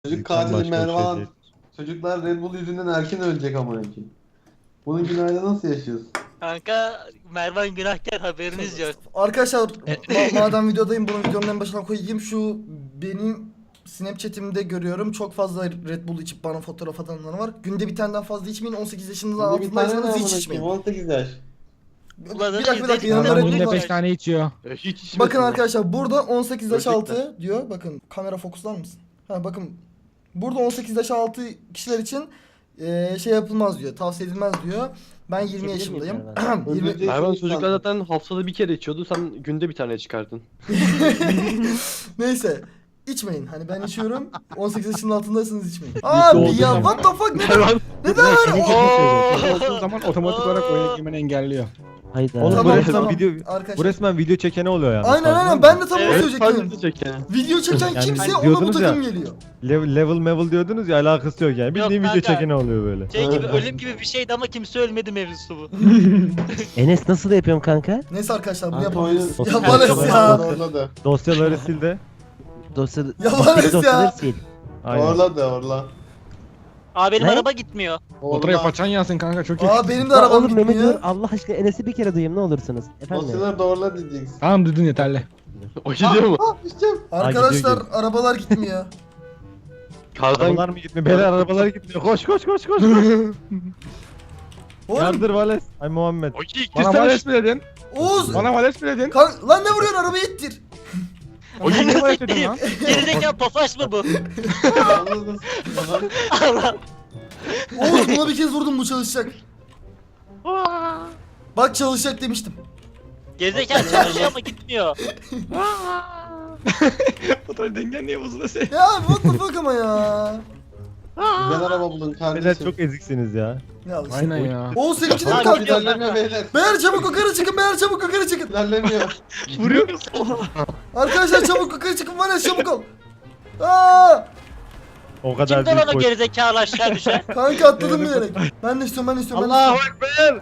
Çocuk Başka katili bir şey Mervan. değil. Çocuklar Red Bull yüzünden erken ölecek amına koyayım. Bunun günahıyla nasıl yaşıyoruz? Kanka Mervan günahkar haberiniz yok. Arkadaşlar madem videodayım bunu videonun en başına koyayım. Şu benim Snapchat'imde görüyorum çok fazla Red Bull içip bana fotoğraf atanlar var. Günde bir taneden fazla içmeyin. 18 yaşınızdan Şimdi bir tane ne altındaysanız amına hiç koyayım? içmeyin. 18 yaş. Bir Ulan dakika izledik yanımda de Red bunu Bull da var. 5 tane içiyor. Hiç içmesin. Bakın arkadaşlar burada 18 yaş Gerçekten. altı diyor. Bakın kamera fokuslar mısın? Ha bakın burada 18 yaş altı kişiler için şey yapılmaz diyor. Tavsiye edilmez diyor. Ben 20 yaşındayım. 20... Öldürecek Mervan insan. çocuklar zaten haftada bir kere içiyordu. Sen günde bir tane çıkardın. Neyse. İçmeyin. Hani ben içiyorum. 18 yaşının altındaysanız içmeyin. Abi olduğu ya zaman- what the fuck neden? Mervan. Neden? Senin Oo. kesin olduğu zaman otomatik olarak oyuna girmeni engelliyor. Hayda. Oğlum Tamam, bu resmen tamam. video bu Arkadaşlar. resmen video çekene oluyor yani. Aynen Farkında aynen ben de mısın? tam onu Evet, söyleyecektim. sadece çeken. Video çeken Yani kimse hani ona bu diyordunuz ya, takım geliyor. Level diyordunuz ya, alakası yok yani. Bildiğin video kanka. çekene oluyor böyle. Şey gibi ölüm gibi bir şeydi ama kimse ölmedi mevzusu bu. Enes nasıl yapıyorum kanka? Neyse arkadaşlar bunu Kanka yapabiliriz. oyunu- Ya Vales ya. Orladı. Dosyaları sil de. Dosya... Vales ya. dosyaları sil. Aynen. Orla. Abi benim Ne? araba gitmiyor. Motora paçan yansın kanka çok iyi. Aa benim de Ya arabam oğlum Mehmet dur gitmiyor. Allah aşkına Enes'i bir kere duyayım ne olursunuz. Efendim. Dosyaları doğrula diyeceksin. Tamam dedin yeterli. O gidiyor mu? Ah düşeceğim. Arkadaşlar gidiyor, arabalar gitmiyor. Kardan arabalar mı gitmiyor? Beyler arabalar gitmiyor. Koş. Oğlum Yardır Vales. Ay Muhammed. Bana Vales mi dedin? Oğuz. Bana Vales mi dedin? Lan ne vuruyorsun arabayı ittir. O gün ne Vales dedin lan? Gerizekalı tofaş mı bu? Yalnız- Aha. Allah. Oğuz buna bir kez vurdum bu çalışacak. Bak çalışacak demiştim. Gerizekalı çalışıyor ama gitmiyor. Motor dengen niye bozuldu sen? Ya what the fuck ama ya. Güzel araba bulun Beyler kardeşim. çok eziksiniz ya. Ya işte. Aynen ya. Oğuz seninki de mi Abi, kalktı? İlerlemiyor beyler. Beyler çabuk yukarı çıkın, beyler çabuk yukarı çıkın. İlerlemiyor. Vuruyoruz. Arkadaşlar çabuk yukarı çıkın, var ya çabuk ol. Aa! O kadar Kimden büyük ona boş. gerizekalı aşağı düşer? Kanka atladım bilerek. Ben de istiyorum, ben de istiyorum. Allahu Ekber.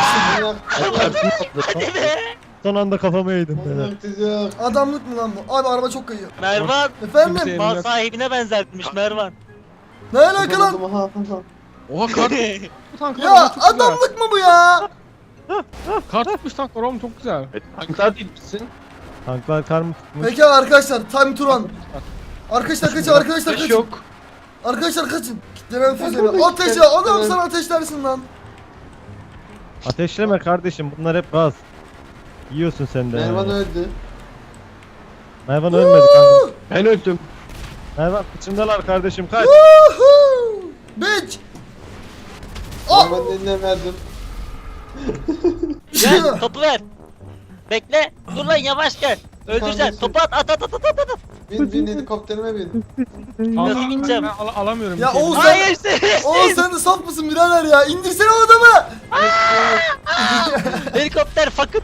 Hadi be. Son anda kafama yedim beyler. Yok. Adamlık mı lan bu? Abi araba çok kayıyor. Mervan Efendim? Kimse- mal sahibine benzetmiş Mervan. Ne alaka lan? Oha kart tanklar Ya oğlum, çok güzel. adamlık mı bu ya? Kart tutmuş tanklar oğlum çok güzel. Tanklar değil misin? Tanklar kar mı tutmuş? Peki arkadaşlar time to run. Arkadaşlar kaçın, arkadaşlar Hiç kaçın. yok. Arkadaşlar kaçın. Kitlenen füze. Arkadaşlar, Ateşle, adam kitlenen- sana ateşlersin lan. Ateşleme kardeşim, bunlar hep gaz. Yiyorsun sen de. Mervan yani. öldü. Mervan ölmedi kanka. Ben öldüm. Mervan kıçımdalar kardeşim, kaç. Woohoo! Bitch. Ah! Mervan'ın eline verdim. Gel topu ver. Bekle. Dur lan yavaş gel. Öldüreceksin. Topu at. Bin helikopterime bin. Nasıl gideceğim? Ben alamıyorum. Ya bir şey. Oğuz Hayır sen, sen. Oğuz sen de saf mısın birader ya? İndirsene o adamı. Helikopter fakıp.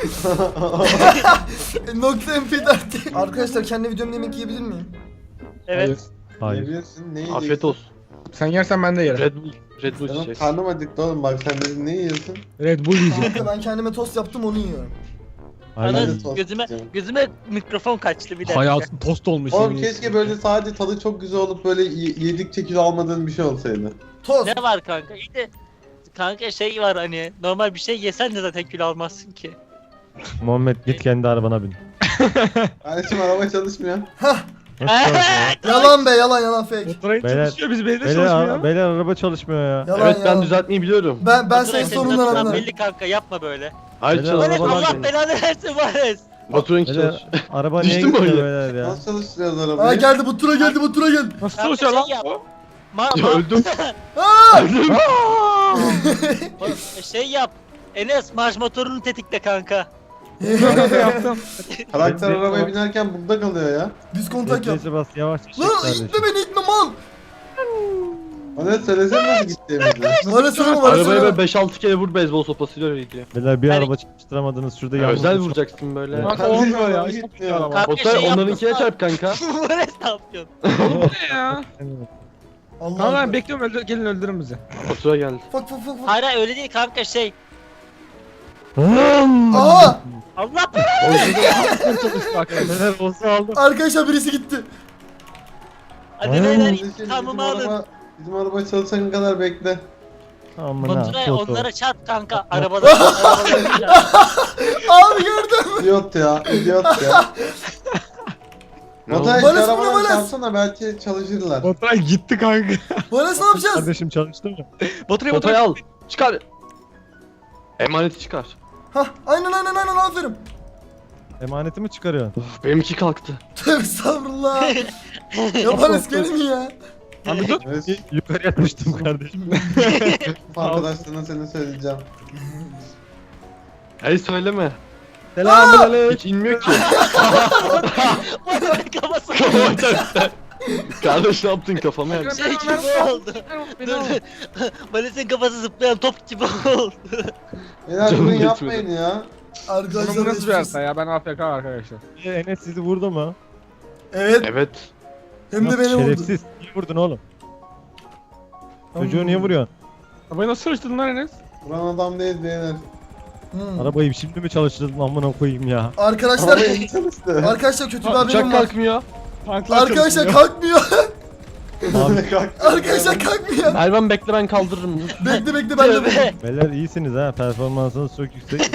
Nokta MP4. Arkadaşlar kendi videomda yemek yiyebilir miyim? Evet. Hayır. Yiyebilirsin, ne yiyeceksin? Afiyet olsun. Sen yersen ben de yerim. Red Bull Canım içeceğiz. karnım acıktı oğlum, bak sen dedin ne yiyorsun? Red Bull yiyeceğim. Kanka ben kendime tost yaptım onu yiyorum. Aynen. Ana de tost gözüme yiyeceğim. mikrofon kaçtı bir dakika. Hayatın tost olmuş. Oğlum yemin keşke böyle sadece tadı çok güzel olup böyle yedikçe kilo almadığın bir şey olsaydı. Tost. Ne var kanka? İyi de kanka şey var hani normal bir şey yesen de zaten kilo almazsın ki. Muhammed git kendi arabana bin. Kardeşim araba çalışmıyor. Nasıl çalışmıyor? Yalan be, yalan fake. Motora Beyler- çalışıyor biz belediye Beyler, çalışmıyor. beyler araba çalışmıyor ya. Yalan Evet ben yalan. düzeltmeyi biliyorum. Ben Baturay, senin senin sorundan adından anlarım. belli kanka yapma böyle. Hayır Beyler, Vares arabalar Allah benim. belanı versin Vares. Baturan Beyler, Araba düştü niye mü gidiyor oraya? beyler ya? Nasıl çalıştırıyoruz Aa arabayı? geldi bu tura geldi, bu tura geldi. Nasıl Kanka çalışıyor lan? şey yap. Ya öldüm. Aa! Şey yap. Enes marş motorunu tetikle kanka. Ben de yaptım. Karakter arabaya binerken burada kalıyor ya. Düz kontak yap. Neyse bas yavaş çek Lan kardeşim. itme beni, itme mal. Bana söylesene nasıl gittiğimizi. Bana söyleme, bana Arabaya söyleme. böyle 5-6 kere vur beyzbol sopasıyla öyle gidiyor. Beyler bir Hani- araba çalıştıramadınız şurada yalnız. Özel vuracaksın böyle. Kanka Kardeşim, olmuyor ya. araba Çok gitmiyor. güzel araba. Kanka Oktay şey onlarınkine yapmasana. çarp kanka. Vares ne yapıyorsun? Oğlum bu ne ya? Allah Tamam Allah. ben bekliyorum gelin öldürün bizi. Otura geldi. Fuck fuck fuck fuck. Hayır hayır, öyle değil kanka şey. Aa! Allah Çalıştı arkadaşlar. Beyler olsa aldım. Arkadaşlar birisi gitti. Hadi Ay, beyler Kardeşim, intikamımı alın. Bizim araba çalışana kadar bekle. Amına. Baturay Toto. onlara çarp kanka. Arabadan çarp. Abi gördüm. İdiot ya, idiot ya. Baturay şu Vales, bu ne arabadan Vales? çarpsana belki çalışırlar. Baturay gitti kanka. Vales ne yapacağız? Kardeşim çalıştı mı? Baturay al. Çıkar. Emaneti çıkar. Hah aynen aferin. Emanetimi çıkarıyorsun. Uf, benimki kalktı. Tövbe estağfurullah. Ya Vales gelin ya. Abi dur. Evet, Yukarıya düştüm kardeşim. arkadaşlarına seni söyleyeceğim. Hayır söyleme. Selamünaleyküm. Hiç inmiyor ki. Kafası Kardeş ne yaptın kafama yak. şey gibi oldu. Dur dur. Valis'in kafası zıplayan top gibi oldu. Beyler Canım bunu yetmedi. yapmayın ya. Arkadaşlar Bu nasıl bir geçmiş harita olsun. ya? Ben AFK arkadaşlar. Enes sizi vurdu mu? Evet Evet. hem de Nasıl beni vurdu. şerefsiz. Niye vurdun oğlum? Çocuğu niye vuruyorsun? Arabayı nasıl çalıştırdın lan Enes? Buran adam değil beyler. Hmm. Arabayı şimdi mi çalıştırdın amına koyayım ya? Arkadaşlar Araba iyi çalıştı. arkadaşlar kötü bir Uçak haberim var. kalkmıyor. Tanklar Arkadaşlar çalışmıyor. kalkmıyor. Abi Kalktı. Arkadaşlar kalkmıyor. Mervan bekle ben kaldırırım. Dur. Bekle ben de. Tövbe. beyler iyisiniz ha. Performansınız çok yüksek.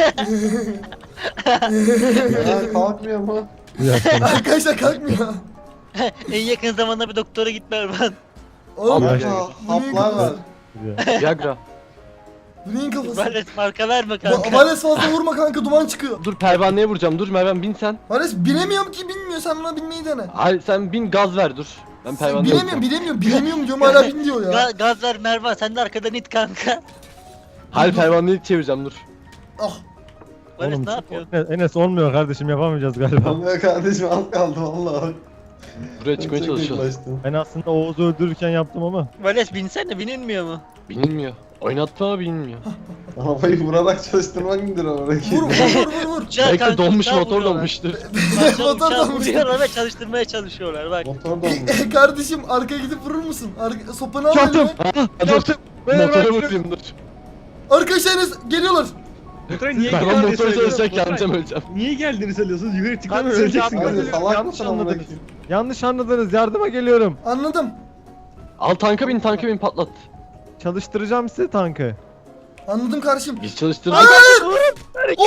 Ya kalkmıyor mu? Bu yaşta. Arkadaşlar kalkmıyor. En yakın zamanda bir doktora git Mervan. Oğlum Ya. Haplar var. Viagra. bu neyin kafası? Vales marka verme kanka. Vales fazla vurma kanka duman çıkıyor. Dur pervaneye vuracağım. Dur Mervan bin sen. Vales bilemiyorum ki bilmiyor sen buna binmeyi dene. Hayır sen bin gaz ver dur. Ben pervaneye Bilemiyorum diyorum hala bin diyor ya. Gaz ver Mervan sen de arkadan it kanka. Hayır pervaneyi çevireceğim dur. Ah Vales Oğlum, ne yapıyorsun? Enes olmuyor kardeşim yapamayacağız galiba. Olmuyor kardeşim az kaldı valla. Buraya çıkmaya çalışıyor. Ben aslında Oğuz'u öldürürken yaptım ama. Vales binsene binilmiyor mu? Binilmiyor. Oynattım ama binilmiyor. Arabayı vurarak çalıştırmak nedir oradaki? vur. Uçağı Belki kanka, donmuş uçağı motor vuruyorlar. donmuştur. Uçağı Motor donmuş. vuruyorlar ve çalıştırmaya çalışıyorlar bak. Motor donmuş. Kardeşim arkaya gidip vurur musun? Sopanı al elime. Dur. Motora vurayım dur. Arkadaşlar Enes geliyorlar. Baturay niye Ben geldiğini motora söylüyorsun? çalışacak Baturay, kendime öleceğim. Niye geldiğini söylüyorsunuz? Yukarı çıkma Kardeşim, öleceksin. yapma. Hadi salak Yanlış mısın amına anladınız. koyayım? Yanlış anladınız. Yardıma geliyorum. Anladım. Al tanka bin patlat. Çalıştıracağım size tankı. Anladım kardeşim. Biz çalıştırdık. Oo!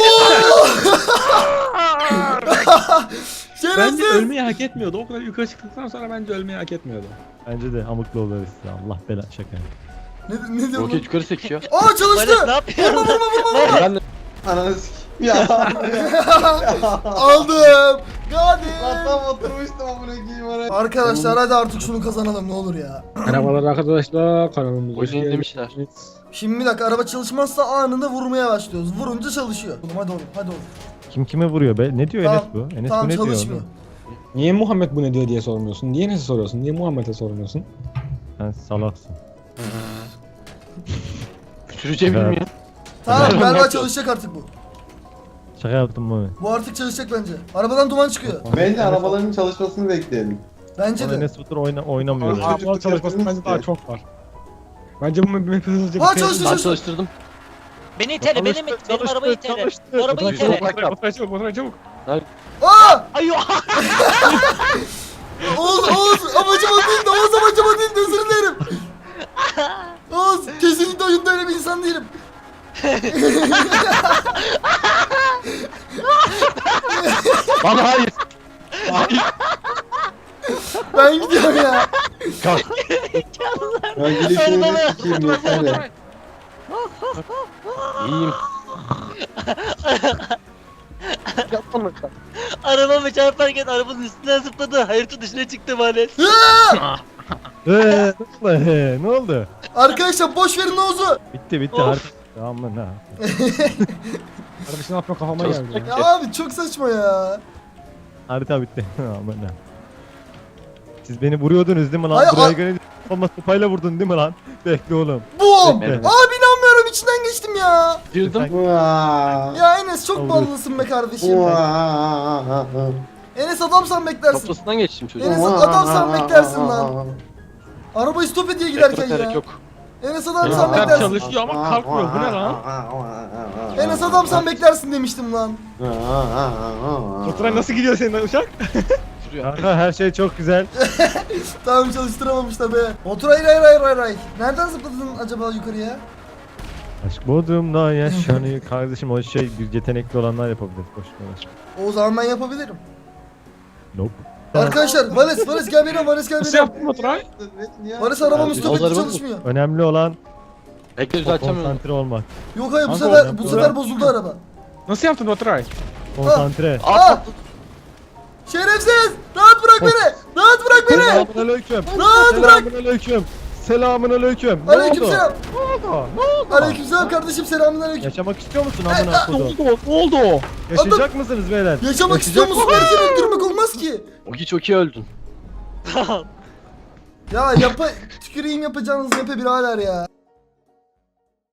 Bence Şerefsiz. ölmeyi hak etmiyordu. O kadar yukarı çıktıktan sonra bence ölmeyi hak etmiyordu. Bence de amıklı oluruz size. Allah bela şaka. Ne diyor bu? Roket yukarı sekiyor. Aa Vales çalıştı. ne yapıyorsun? Vurma. Ben de Ananı sikeyim ya. Aldım. Hadi. Lan tam oturmuştum amına koyayım oraya. Arkadaşlar hadi artık şunu kazanalım ne olur ya. Merhabalar arkadaşlar kanalımıza oyunu demişler. Şimdi bir dakika araba çalışmazsa anında vurmaya başlıyoruz. Vurunca çalışıyor. Hadi oğlum hadi oğlum. Kim kime vuruyor be? Ne diyor Tamam, Enes bu? Enes Tamam bu ne diyor? çalışmıyor. oğlum? Niye Muhammed bu ne diyor diye sormuyorsun? Niye Enes'e soruyorsun? Niye Muhammed'e sormuyorsun? Sen salaksın. Süreceğim Evet. bilmiyor. Tamam Tamam, galiba yapacağız. çalışacak artık bu. Şaka yaptım mı? Bu artık çalışacak bence. Arabadan duman çıkıyor. Bence arabaların çalışmasını bekleyelim. Bence Ama de. Enes Batur oynamıyor. Çocuk yani. Arabalar çalışmasının bence daha çok var. Bence bu map hızlıca Ha, bitirelim. çalıştı. Ben çalıştırdım. Beni itele benim arabayı itele. Bu arabayı itele. Baturay çabuk, Baturay çabuk. Aa! Ay Oğuz amacım o değildi. Oğuz amacım o değildi. Özür dilerim. Oğuz kesinlikle oyunda öyle bir insan değilim. Bana hayır. Ben gidiyorum ya. Ya gidişini de sikeyim yeter ya. İyiyim. Arabamı çarparken arabanın üstünden zıpladı. Hayırtı dışına çıktı Vales. Ne oldu? Arkadaşlar boş verin Oğuz'u. Bitti Of. artık. Aman ha. Kardeşim ne yapıyor kafama geldi ya. Ya abi çok saçma ya. Harita bitti. Aman ha. Siz beni vuruyordunuz değil mi lan? Hayır, Buraya göre olmaz sopayla vurdun değil mi lan? Bekle oğlum. Bum. Evet. Abi inanmıyorum içinden geçtim ya. Girdim. Vaa. Ya Enes çok Olur. ballısın be kardeşim. Vaa. Enes adamsan beklersin. Kafasından geçtim çocuğum. Enes adamsan beklersin lan. Arabayı stop ediyor giderken Gerek ya. yok. Enes Enes adamsan adam beklersin. çalışıyor ama kalkmıyor. Bu ne lan? Enes adamsan beklersin demiştim lan. Baturay nasıl gidiyor senin uçak? çalıştırıyor. Kanka her şey çok güzel. Tamam çalıştıramamışlar be. Otur hayır. Nereden zıpladın acaba yukarıya? Aşk Bodrum'da yaşanıyor. Kardeşim o şey yetenekli olanlar yapabilir. Boş ver. O zaman ben yapabilirim. Nope. Arkadaşlar Vales gel benim Vales gel Nasıl benim. yaptın Baturay? Vales arabam Abi, stop etti yolları çalışmıyor. Önemli olan Bekle düzelteceğim. konsantre olmak. Yok hayır bu Kanka, sefer o- bu sefer bozuldu araba. Nasıl yaptın Baturay? Konsantre. Ah! Şerefsiz! Rahat bırak beni! Rahat bırak beni! Selamünaleyküm. Rahat bırak! Selamünaleyküm. Selamünaleyküm. Ne Aleykümselam. oldu? Ne oldu? Ne oldu? Aleykümselam kardeşim selamünaleyküm. Yaşamak istiyor musun amına Ne kodum? oldu? Ne oldu o? Yaşayacak mısınız beyler? Yaşamak istiyor musun? Erken öldürmek olmaz ki. Ogi çok iyi öldün. Ya tüküreyim yapacağınız yapı birader ya.